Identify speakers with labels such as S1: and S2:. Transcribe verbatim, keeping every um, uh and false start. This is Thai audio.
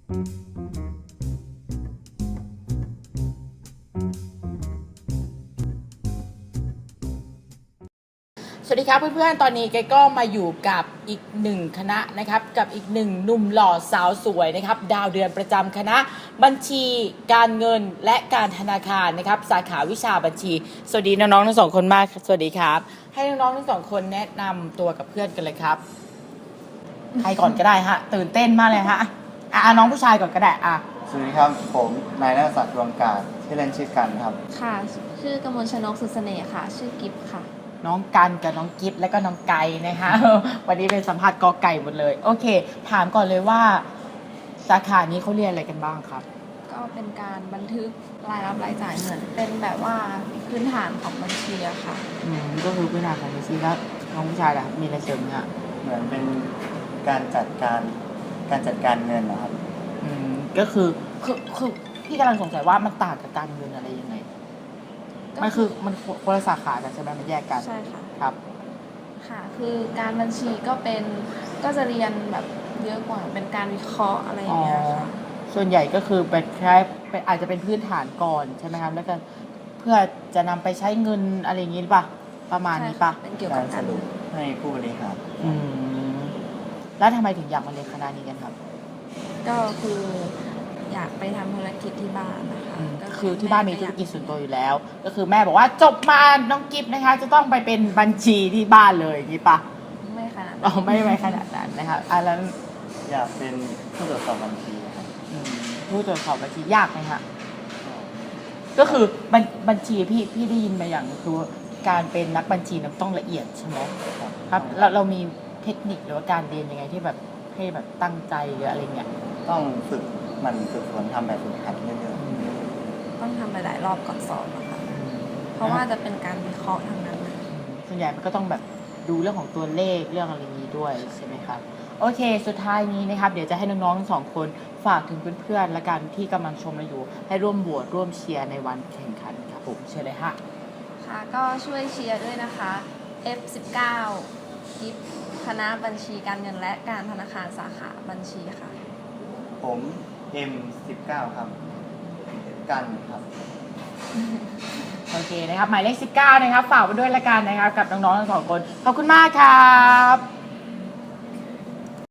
S1: สวัสดีครับเพื่อนๆตอนนี้แกก็มาอยู่กับอีกหนึ่งคณะนะครับกับอีกหนึ่งหนุ่มหล่อสาวสวยนะครับดาวเดือนประจำคณะบัญชีการเงินและการธนาคารนะครับสาขาวิชาบัญชีสวัสดีน้องๆทั้งสองคนมากสวัสดีครับให้น้องๆทั้งสองคนแนะนำตัวกับเพื่อนกันเลยครับใครก่อนก็ได้ฮะตื่นเต้นมากเลยฮะอ่ะน้องผู้ชายก่อนก็ได้อ่ะ
S2: สวัสดีครับผมนายณศักดิ์ดวงกาศชื่อเล่นชื่อกันครับ
S3: ค่ะชื่อกมลชนกสุดเสน่ห์ค่ะชื่อกิฟค่ะ
S1: น้องกันกับน้องกิฟและก็น้องไก่นะคะวันนี้เป็นสัมภาษณ์กอไก่หมดเลยโอเคถามก่อนเลยว่าสาขานี้เขาเรียนอะไรกันบ้างครับ
S3: ก็เป็นการบันทึกรายรับรายจ่ายเหมือนเป็นแบบว่าพื้นฐานของบัญชีอะค่ะ
S1: อืมก็คือพื้นฐานของบัญชีแล้วน้องผู้ชายล่ะมีอะไรเสริมเนี่ย
S2: เหมือนเป็นการจัดการการจัดการเงินนะครับ
S1: อืมก็คือคือคือพี่กำลังสงสัยว่ามันต่างกับการเงินอะไรยังไงมันคือมันคนละสาขากันใช่ไหมมันแยกกัน
S3: ใช่ค่ะ
S1: ครับ
S3: ค่ะคือการบัญชีก็เป็นก็จะเรียนแบบเยอะกว่าเป็นการวิเคราะห์อะไรอย่างเงี้ยค่ะ
S1: ส่วนใหญ่ก็คือเป็นแค่อาจจะเป็นพื้นฐานก่อนใช่ไหมครับแล้วก็เพื่อจะนำไปใช้เงินอะไรอย่างงี้หรือเปล่าประมาณนี้ปะ
S3: เป็นเกี่ยวกับการ
S2: สรุปให้ผู้บริหาร
S1: อืมแล้วทำไมถึงอยากมาเรียนคณะนี้กันครับ
S3: ก็คืออยากไปทำธุรกิจที่บ้านนะคะ
S1: ก็คือที่บ้านมีธุรกิจส่วนตัวอยู่แล้วก็คือแม่บอกว่าจบมาน้องกิฟต์นะคะจะต้องไปเป็นบัญชีที่บ้านเลยนี่ปะ
S3: ไม่ขนาด
S1: อ๋อไม่ไม่ขนาดนั้นนะครับอ่ะแล้ว
S2: อยากเป็นผู้ตรวจสอบบัญชีครับ
S1: ผู้ตรวจสอบบัญชียากไหมคะก็คือบัญบัญชีพี่พี่ได้ยินมาอย่างคือการเป็นนักบัญชีนั้นต้องละเอียดใช่ไหมครับเราเรามีเทคนิคหรือว่าการเรียนยังไงที่แบบให้แบบตั้งใจหรืออะไรเงี้ย
S2: ต้องฝึกมันฝึกฝนทำแบบฝึกหัดเรื่อย
S3: ๆต้องทำหลายๆรอบก่อนสอบนะคะเพราะว่าจะเป็นการวิเคราะห์ทางนั้นนะ
S1: ส่วนใหญ่มันก็ต้องแบบดูเรื่องของตัวเลขเรื่องอะไรนี้ด้วยใช่ไหมครับโอเคสุดท้ายนี้นะครับเดี๋ยวจะให้น้องๆทั้งสองคนฝากถึงเพื่อนๆและกันที่กำลังชมเราอยู่ให้ร่วมโหวตร่วมเชียร์ในวันแข่งขันครับผมเชิญเลยค่ะ
S3: ค่ะก็ช่วยเชียร์ด้วยนะคะ เอฟ สิบเก้า กิฟคณะบัญชีการเงินและการธนาคารสาขาบัญชีค่ะ
S2: ผม เอ็ม สิบเก้า ครับกันครับ
S1: โอเคนะครับหมายเลขสิบเก้านะครับฝากไว้ด้วยละกันนะครับกับน้องๆทั้งสองคนขอบคุณมากครับ